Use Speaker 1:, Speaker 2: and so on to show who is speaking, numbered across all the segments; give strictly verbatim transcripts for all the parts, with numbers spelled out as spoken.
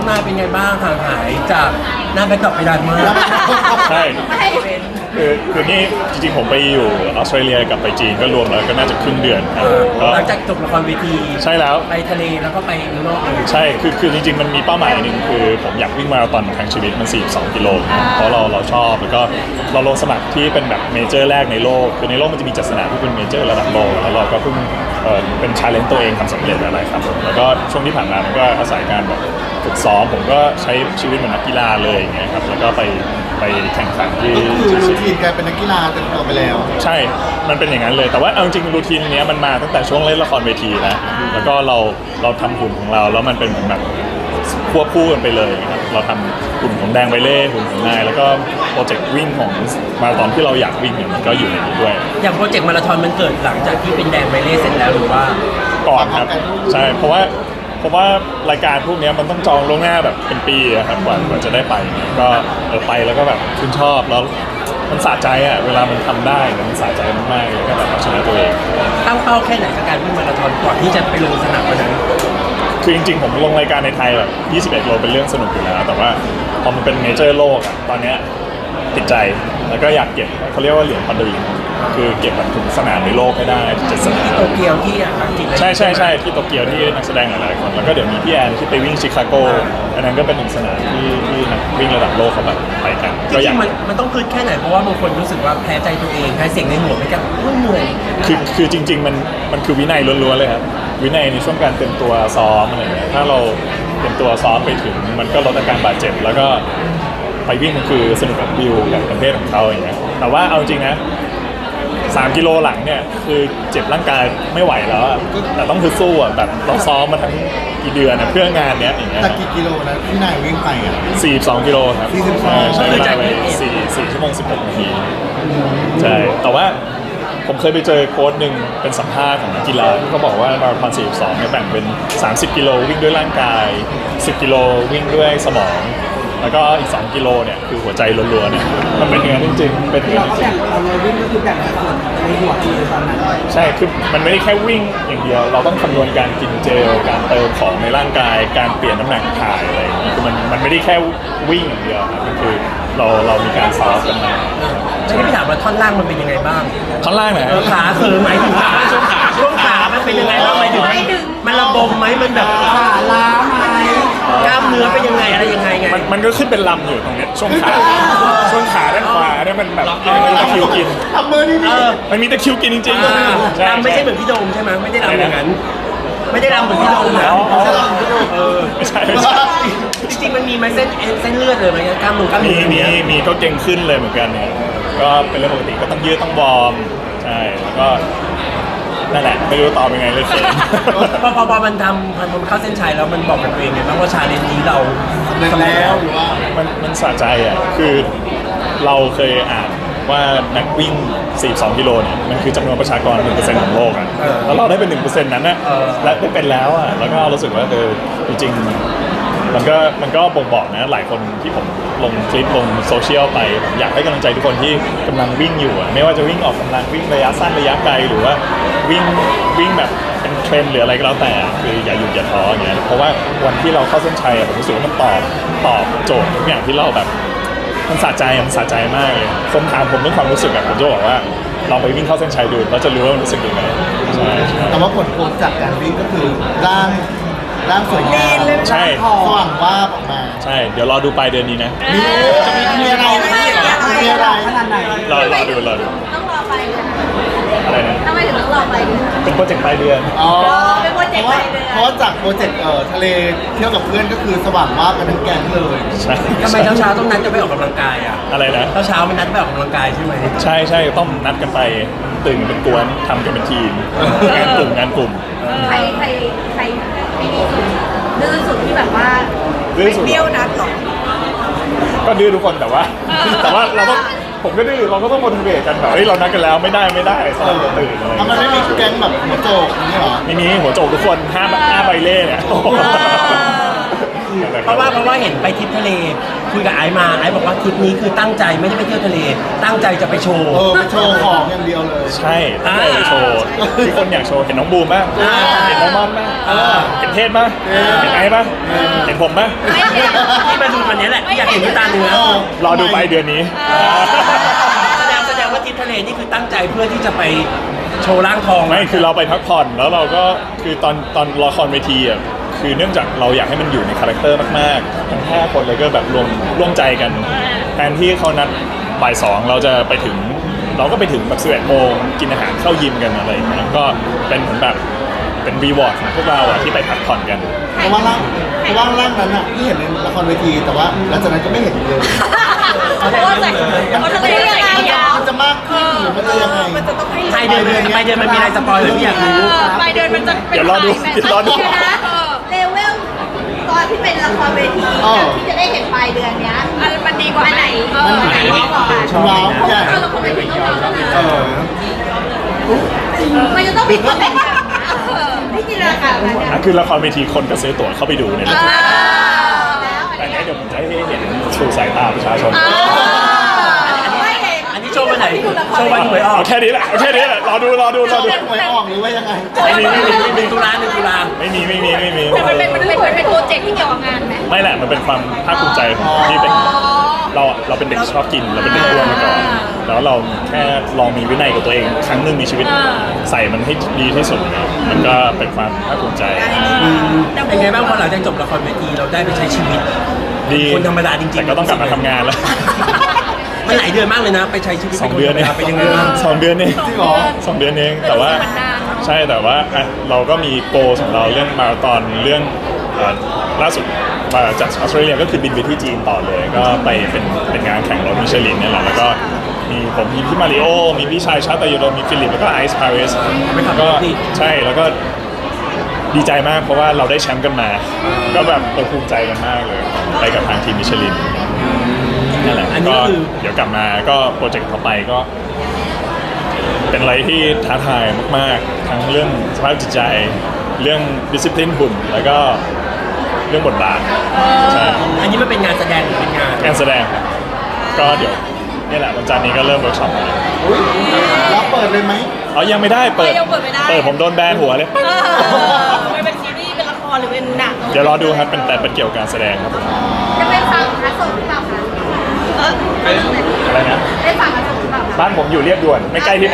Speaker 1: มาเป็นไงบ้างห่างหายจากหน้าแบ็คดรอปไปนานมาก
Speaker 2: ใช่คือคือนี่จริงๆผมไปอยู่ออสเตรเลียกับไปจีนก็รวมแล้วก็น่าจะครึ่งเดือนครับก็
Speaker 1: หลังจากจบละครเวที
Speaker 2: ใช่แล้ว
Speaker 1: ไปทะเลแล้วก็ไปเมืองนอกเลย
Speaker 2: ใช่คือคือจริงๆมันมีเป้าหมายหนึ่งคือผมอยากวิ่งมาราธอนทั้งชีวิตมันสี่สิบสองกิโลเพราะเราเราชอบแล้วก็เราลงสมัครที่เป็นแบบเมเจอร์แรกในโลกคือในโลกมันจะมีจัดสนามที่เป็นเมเจอร์ระดับโลกแล้วเราก็เพิ่งเอ่อเป็นชาเลนจ์ตัวเองทำสำเร็จอะไรครับผมแล้วก็ช่วงที่ผ่านมามันก็อาศัยการแบบฝึกซ้อมผมก็ใช้ชีวิตเหมือนนักกีฬาเลยอย่างเงี้ยครับแล้วก็ไปไปแข่งขันที่
Speaker 3: ก็คือรูทีนกลายเป็นนักกีฬาเต็มตัวไปแล้ว
Speaker 2: ใช่ มันเป็นอย่างนั้นเลย แต่ว่าเอาจริงรูทีนเนี้ยมันมาตั้งแต่ช่วงเล่นละครเวทีนะ แล้วก็เราเราทำหุ่นของเราแล้วมันเป็นเหมือนแบบควบคู่กันไปเลยครับเราทำหุ่นของแดงไบเล่หุ่นของนายแล้วก็โปรเจกต์วิ่งของมาราธอนที่เราอยากวิ่งเนี่ยมันก็อยู่ในนี้ด้วย
Speaker 1: อย่างโปรเจกต์มาราธอนมันเกิดหลังจากที่เป็นแดงไบเล่เสร็จแล้วหรือว่า
Speaker 2: ก่อนครับใช่เพราะว่าเพราะว่ารายการพวกนี้มันต้องจองล่วงหน้าแบบเป็นปีอะครับกว่ากว่าจะได้ไปก็เออไปแล้วก็แบบชื่นชอบแล้วมันสะใจอะเวลามันทำได้มันสะใจมากๆแล้วก็แบบเอาชนะตัวเอง
Speaker 1: ตั้งเป้าแค่ไหนกับการวิ่งมาราธอนก่อนที่จะไปลงสนามวันนั้น
Speaker 2: คือจริงๆผมลงรายการในไทยแบบยี่สิบเอ็ดโลเป็นเรื่องสนุกอยู่แล้วแต่ว่าพอมันเป็นเมเจอร์โลกอะตอนเนี้ยติดใจแล้วก็อยากเก็บเขาเรียกว่าเหรียญพันดลิงคือเก็บแบบถึงสนามในโลกให้ได้เจ็ดสนาม
Speaker 1: ที่โตเกียวที่อังกฤษอะไร
Speaker 2: ใช่ใช่ใช่ที่โตเกียวที่นักแสดงหลายๆคนแล้วก็เดี๋ยวมีพี่แอนที่ไปวิ่งชิคาโกอันนั้นก็เป็นหนึ่งสนามที่ที่นักวิ่งระดับโลกเขาแบบไปกัน
Speaker 1: จ
Speaker 2: ก็อ
Speaker 1: ริ
Speaker 2: ยาง ก
Speaker 1: ๆมันมันต้องคืดแค่ไหนเพราะว่าบางคนรู้สึกว่าแพ้ใจตัวเองแพ้เสียงในหัวไปกับเหนื่อย
Speaker 2: คือคือจริง ๆ มันมันคือวินัยล้วนๆเลยครับวินัยในช่วงการเตรียมตัวซ้อมอะไรอย่างเงี้ยถ้าเราเตรียมตัวซ้อมไปถึงมันก็ลดอาการบาดเจ็บแล้วก็ไปวิ่งมันคือสนุกกับวิวกับประเภทของเขาอย่างเงี้ยแต่ว่าเอาจริงนะสามกิโลหลังเนี่ยคือเจ็บร่างกายไม่ไหวแล้วอะแต่ต้องคือสู้อะแบบเราซ้อมมาทั้งกี่เดือนอะเพื่องานเนี้ยอย่างเงี้ย
Speaker 3: แต่กี่กิโลนะที่นายวิ่งไปอ่ะ
Speaker 2: สี่สิบสองกิโลครับ
Speaker 3: สี่สิบสอง
Speaker 2: ใช่ใช้เวลาไปสี่สี่ชั่วโมงสิบหกนาทีใช่แต่ว่าผมเคยไปเจอโค้ชหนึ่งเป็นสัมภาษณ์ของนักกีฬาที่เขาบอกว่ามาราธอนสี่สิบสองเนี่ยแบ่งเป็นสามสิบกิโลวิ่งด้วยร่างกายสิบกิโลวิ่งด้วยสมองแล้วก็อีกสองกิโลเนี่ยคือหัวใจล้วนๆเนี่ยมันเป็นอย่างนั้นจริงๆเป็นอย่าง
Speaker 4: เรา
Speaker 2: นั้นจ
Speaker 4: ก็
Speaker 2: ริ
Speaker 4: แบ่
Speaker 2: ง
Speaker 4: งเราเลยวิ่งก็คือแบ่งส่วนในหัวคือตอนนั้น
Speaker 2: ใช่คือมันไม่ได้แค่วิ่งอย่างเดียว เราต้องคำนวณการกินเจลการเติมของในร่างกายการเปลี่ยนน้ำหนักถ่ายอะไรอย่างเงี้ยคือมันมันไม่ได้แค่วิ่งอย่างเดียวครับมันคือเราเรามีการซ้อมกันมา
Speaker 1: แล้วที่พี่ถามว่าท่อนล่างมันเป็นยังไงบ้าง
Speaker 2: ท่อนล่างไหน
Speaker 1: เออขาคือหมายถึงขาช่วงขาช่วงขามันเป็นยังไงบ้างหมายถึงมันระบมไหมมันแบบ
Speaker 4: ขาล้าไหม
Speaker 1: กล้ามเนื้อเป็นยังไงอะไรยังไงไง
Speaker 2: มันมันก็ขึ้นเป็นลำอยู่ตรงเนี้ยช่วงขาช่วงขาด้านขวาเนี่ยมันแบบมันมีตะคริวกิน
Speaker 3: ทำมือนี่
Speaker 1: เอ
Speaker 3: ดิ
Speaker 1: อ
Speaker 2: มันมีตะคริวกินจริง
Speaker 1: อ่า
Speaker 2: ๆใช่
Speaker 1: รำไม่ใช่เหมือนพี่โดมใช่ไหมไม่ได้รำอย่างนั้น ไม่ได้รำเหมือนพี่โดมนะ
Speaker 2: อ๋ออ๋อ
Speaker 1: เออ
Speaker 2: ไม่ใช่ไม่ใช่
Speaker 1: จริงๆมันมีไหมเส้นเอ็นเส้นเลือดเลยไหมกล้ามเนื้อกล้าม
Speaker 2: มี
Speaker 1: เนื้อ
Speaker 2: มี
Speaker 1: เนี้ย
Speaker 2: มีก็เก่งขึ้นเลยเหมือนกันเนี่ยก็เป็นเรื่องปกติก็ต้องยืดต้องวอร์มใช่แล้วก็นั่นแหละไม่รู้ตอบยังไงเลยเขิน
Speaker 1: พอพอพอมันทำมันมันเข้าเส้นชัยแล้วมันบอกกับตัวเองไงบ้างว่าชาเลนจ์นี้เรา
Speaker 3: สำเร็จแล้วหรือว่า
Speaker 2: มันมันสะใจอ่ะ คือเราเคยอ่านว่านักวิ่ง สี่สิบสอง กิโลเนี่ย มันคือจำนวนประชากร หนึ่งเปอร์เซ็นต์ ของโลกอ่ะ แล้วเราได้เป็น หนึ่งเปอร์เซ็นต์ นั้นน่ะและได้เป็นแล้วอ่ะ แล้วก็รู้สึกว่าเออจริงๆ มันก็มันก็บ่งบอกนะ หลายคนที่ผมลงคลิปลงโซเชียลไปผมอยากให้กำลังใจทุกคนที่กำลังวิ่งอยู่อ่ะ ไม่ว่าจะวิ่งออกกำลังวิ่งระยะสั้นระยะไกลหรือว่าวิ่งวิ่งแบบเป็นเทรนหรืออะไรก็แล้วแต่ คืออย่าหยุดอย่าท้ออย่างเงี้ย เพราะว่าวันที่เราเข้าเส้นชัยอะผมรู้สึกว่ามันตอบตอบโจทย์ทุกอย่างที่เราแบบ มันสะใจมันสะใจมากเลยคนถามผมเรื่องความรู้สึกอะผมจะบอกว่าเราไปวิ่งเข้าเส้นชัยดูเราจะรู้ว่ามันรู้สึกยังไงใช่ใช่
Speaker 3: แต่ว่าผลโพลจากการวิ่งก็คือร่างร่างสวยงาม
Speaker 2: ใช่
Speaker 3: สว่างว่าบออกมา
Speaker 2: ใช่เดี๋ยวรอดูปลายเดือนนี้นะ
Speaker 3: มีจะมีมีอะไรมีอะไร
Speaker 4: ขนาดไหน
Speaker 2: รอรอดูรอดู
Speaker 5: ต้องรอไปเลย
Speaker 2: อะไรนะ
Speaker 5: ทำไมถึงต้องรอไปเลย
Speaker 2: เป็นโปรเจกต์ปลายเดือน
Speaker 3: อ๋อ
Speaker 5: เป็นโปรเจกต์
Speaker 3: เพราะว่า
Speaker 5: ไปเลย
Speaker 3: เพราะว่าจากโปรเจกต์เอ่อทะเลเที่ยวกับเพื่อนก็คือสว่างว่าบกันทั้งแก๊งเลย
Speaker 2: ใช่
Speaker 1: ทำไมเช้าเช้าๆต้องนัดกันไปออกกำลังกายอ่ะ
Speaker 2: อะไรนะ
Speaker 1: เช้าเช้าๆมันนัดไปออกกำลังกายใช่ไหม
Speaker 2: ใช่ใช่ต้องนัดกันไปตื่นกันเป็นกวนทำกันเป็นทีมงานกลุ่มงานกลุ่ม
Speaker 5: ใครใครใครไม่ดีสุดดื้อสุดที่แบบว่า
Speaker 2: ดื้อสุด
Speaker 5: ไม่เบี้ยวนัดหรอ
Speaker 2: ก็ดื้อทุกคนแต่ว่า แต่ว่าเราก็ผมก็ดื้อเราก็ต้องโมทิเวตกันแบบเฮ้ยเรานัดกันแล้วไม่ได้ไม่ได้สลับกันตื่นอะไรอย่าง
Speaker 3: ทำไม
Speaker 2: เงี้ย
Speaker 3: ไม่มีแก๊งแบบหัวโจกอย่างนี้เหรอ
Speaker 2: ไม่มีหัวโจกทุกคนห้าห้าใบเล่เนี่ยอะไร
Speaker 1: เพราะว่าเพราะว่าเห็นไปทริปทะเลคุยกับไอซ์มาไอซ์บอกว่าทริปนี้คือตั้งใจไม่ได้ไปเที่ยวทะเล ตั้งใจจะไปโชว์
Speaker 3: เออไปโชว์ของอย่างเดียวเลย
Speaker 2: ใช่ตั้งใจไปโชว์ที่คนอยากโชว์เห็นน้องบูมบ้าง
Speaker 1: อ่า
Speaker 2: เห็นน้องมอนบ้าง
Speaker 1: เออ
Speaker 2: เห็นเทศบ้างเห็นไอ้บ้างเห็นผมบ้าง
Speaker 1: ที่มาดูวันนี้แหละอยากเห็นด้วยตาเนื้อ
Speaker 2: รอดูไปเดือนนี้
Speaker 1: แสดงแสดงว่าทริปทะเลนี่คือตั้งใจเพื่อที่จะไปโชว์ร่างทอง
Speaker 2: ไม่คือเราไปพักผ่อนแล้วเราก็คือตอนตอนละครเวทีอ่ะคือเนื่องจากเราอยากให้มันอยู่ในคาแรคเตอร์มากๆทั้งห้าคนเลยก็แบบรวมร่วมใจกันแทนที่เขานัดบ่ายสองเราจะไปถึงเราก็ไปถึงแบบสิบเอ็ดโมงกินอาหารเข้ายิมกันอะไรอย่างเงี้ยก็เป็นเหมือนแบบเป็นรีวอร์ดของพวกเราอ่ะที่ไปพักผ่อนกัน
Speaker 3: เพราะว่าร่างเพราะว่าร่างนั้นอ่ะที่เห็นในละครเวทีแต่ว่าหลังจากนั้นก็ไม่เห็นเลย
Speaker 5: เพราะว่าใส่เขาจะไม่ยังไงอ่ะ
Speaker 3: มันจะมากขึ้นหรือมันจะยังไง
Speaker 5: มันจะต้องให้
Speaker 1: ไปเดินไปเดินมันมีอะไรสปอยล์หรือไม่อยากรู้
Speaker 5: ไปเดินมันจะเป็น
Speaker 2: เดี๋ยวรอดูเดี๋ยวรอดู
Speaker 5: นะเลเวลตอนที่เป็นละครเวทีกับที่จะได้เห็นปลายเดือนเนี้ยอันมันดีกว่าไหนเออไหนดีกว่ากัน
Speaker 3: ว้าวใหญ่
Speaker 5: เพราะละครเวทีต้องว้าวแล้วนะ
Speaker 3: เออ
Speaker 5: มันจะต้องมีคนแบ่งกันไม่จินตนาการแบบนั้น
Speaker 2: อ่ะคือละครเวทีคนก็ซื้อตั๋วเข้าไปดูเนี่ย
Speaker 5: แล้ว
Speaker 2: แต่เนี้ยเดี๋ยวผมจะให้เห็นสู่สายตาประชาชน
Speaker 5: ไม่เห็น
Speaker 1: อันนี้โชว์วันไหนโชว์วันหวยออก
Speaker 2: เอาแค่นี้แหละเอาแค่นี้แหละรอดูรอดูรอดู
Speaker 3: หวยออกหรือว่ายังไง
Speaker 2: ไม่มีไม่มีไม่
Speaker 1: ห
Speaker 2: มี
Speaker 1: นึ่งตุลาหนึ่งตุลา
Speaker 2: ไม่มีไม่มีไม่มี
Speaker 5: แต่มันเป็นมันเป็นมันเป็นโปรเจกต์ที่เกี่ยวกับงานไหม
Speaker 2: ไม่แหละมันเป็นความภาคภูมิใจที่เป็นเราอะเราเป็นเด็กชอบกินเราเป็นเด็กอ้วนมาก่อนแล้วเราแค่ลองมีวินัยกับตัวเองครั้งหนึ่งในชีวิตใส่มันให้ดีที่สุดเนี่ยมันก็เป็นความภาคภูมิใจ
Speaker 1: เป็นไงบ้างพอหลังจากจบละครเวทีเราได้ไปใช้ชีวิต
Speaker 2: ดี
Speaker 1: คนธรรมดาจริงๆ
Speaker 2: แต่ก็ต้องกลับมาทำงานแล้ว
Speaker 1: มันหลายเดือนมากเลยนะ ไปใช้ชีวิต
Speaker 2: สองเดือนเอง
Speaker 1: เป็นยังไงบ้าง
Speaker 2: สองเดือนเอง
Speaker 3: จริงเหรอ
Speaker 2: สองเดือนเองแต่ว่าใช่แต่ว่าอ่ะเราก็มีโกของเราเรื่องมาราธอนเรื่องเอ่อล่าสุดมาจากออสเตรเลียก็คือบินไปที่จีนต่อเลย ก็ไปเป็นเป็นงานแข่งรถมิชลินเนี่ยแหละแล้วก็มีผมมีพี่มาริโอมีพี่ชายชาตยโดมีฟิลิปแล้วก็ไอซ์พาริสก็ใช่แล้วก็ดีใจมากเพราะว่าเราได้แชมป์กันมา ก็แบบเออภูมิใจกันมากเลยไปกับทางทีมมิชลินนั่นแหละ
Speaker 1: อันนี้
Speaker 2: ก็
Speaker 1: ก็คือ
Speaker 2: เดี๋ยวกลับมาก็โปรเจกต์ต่อไปก็ เป็นอะไรที่ท้าทายมากๆ ทั้งเรื่องสภาพจิตใจ เรื่องดิสซิ p ลินหุ่น แล้วก็เรื่องบทบาทใช่
Speaker 1: อันนี้มันเป็นงานแสดงหรือเป็นงาน
Speaker 2: การแสดงครับก็เดี๋ยวนี่แหละวันจันทร์นี้ก็เริ่มเวิร์กช็อปแล้ว
Speaker 3: อุ๊ยรับเปิดเลยไหม
Speaker 2: อ๋อยังไม่ได้เปิด
Speaker 5: ยังเปิดไม่ได้
Speaker 2: เปิดผมโดนแบนหัวเลย
Speaker 5: มันเป็นซีรีส์เป็นละครหรือเป็นหนัง
Speaker 2: เดี๋ยวรอดูครับเป็นแต่เป็นเกี่ยวกับการแสดงครับผม
Speaker 5: จะเป็นฝั่งพระสงฆ์หรือเปล่าคะเออ
Speaker 2: อะไรนะ
Speaker 5: เป็นฝั่งพระสงฆ์หรือเปล่าคะ
Speaker 2: บ้านผมอยู่เรียบด่วนไม่ใกล้ที่ไหน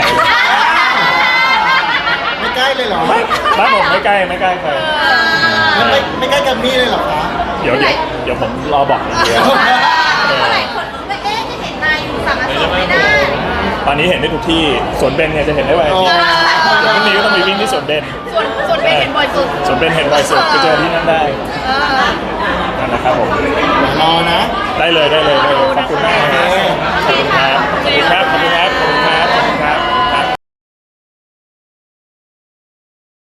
Speaker 3: ไม่ใกล้เลยเหรอ
Speaker 2: ไม่บ้านผมไม่ใกล้ไม่ใกล้ใคร
Speaker 3: ไม่ไม่ไม่ใกล้กับมี่เลยเหรอคะ
Speaker 2: เดี๋ยวเดี๋ยวเดี๋ยวผมรอบอกอย่างเดียว
Speaker 5: เมื่อไหร่คนรู้ไม่เอ๊ะจะเห็นนายอยู่ฝั่งพระสงฆ์ไม่ได้
Speaker 2: ตอนนี้เห็นได้ทุกที่สวนเบนเนี่ยจะเห็นได้ไว
Speaker 3: อ๋อ
Speaker 2: เดี๋ยวพรุ่งนี้ก็ต้องไปวิ่งที่สวนเบน
Speaker 5: ส่วนส่วนเป็นเห็นบ่อยสุด
Speaker 2: สวนเบนเห็นบ่อยสุดไปเจอที่นั่นได้
Speaker 5: เออ
Speaker 2: นั่นนะครับผม
Speaker 3: รอนะ
Speaker 2: ได้เลยได้เลยได้เลยขอบคุณมากนะครับ